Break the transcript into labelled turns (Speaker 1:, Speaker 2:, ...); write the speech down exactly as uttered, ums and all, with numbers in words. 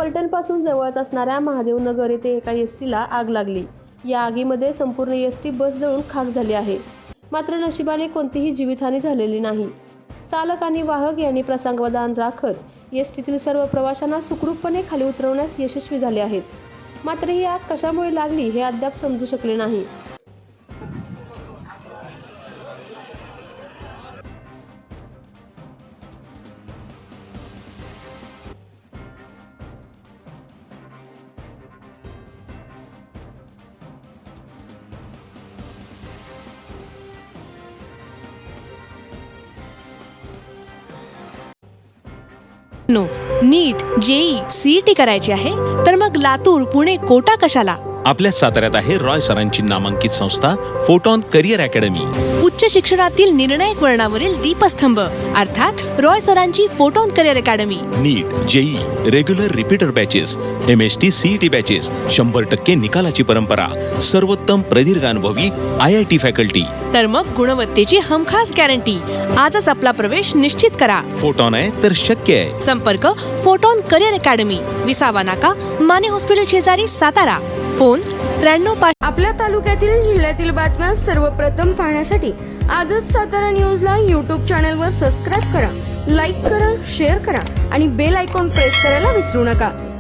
Speaker 1: फलटणपासून जवळच असणाऱ्या महादेवनगर येथे एका एस टीला आग लागली। या आगीमध्ये संपूर्ण एस टी बस जळून खाक झाली आहे। मात्र नशिबाने कोणतीही जीवितहानी झालेली नाही। चालक आणि वाहक यांनी प्रसंगावधान राखत एस टीतील सर्व प्रवाशांना सुखरूपपणे खाली उतरवण्यास यशस्वी झाले आहेत। मात्र ही आग कशामुळे लागली हे अद्याप समजू शकले नाही।
Speaker 2: नो नीट जेई सीईटी करायची आहे तर मग लातूर पुणे कोटा कशाला।
Speaker 3: आपल्या साताऱ्यात आहे रॉय सरांची नामांकित संस्था फोटॉन करिअर अकॅडमी।
Speaker 2: उच्च शिक्षणातील निर्णायक वळणावरील दीपस्तंभ अर्थात रॉय सरांची Photon career academy.
Speaker 3: NEET JEE regular repeater batches M S T CET batches शंभर टक्के निकालाची परंपरा सर्वोत्तम प्रदीर्घ अनुभवी आय आय टी फॅकल्टी।
Speaker 2: तर मग गुणवत्तेची हमखास गॅरंटी। आजच आपला प्रवेश निश्चित करा।
Speaker 3: फोटॉन आहे तर शक्य आहे।
Speaker 2: संपर्क फोटॉन करिअर अकॅडमी विसावा नाका माने हॉस्पिटल शेजारी सातारा। फोन त्र्याण्णव पाच।
Speaker 4: आपल्या तालुक्यातील जिल्ह्यातील बातम्या सर्वप्रथम पाहण्यासाठी आजच सातारा न्यूजला यूट्यूब चॅनलवर सबस्क्राईब करा, लाईक करा, शेअर करा आणि बेल आयकॉन प्रेस करायला विसरू नका।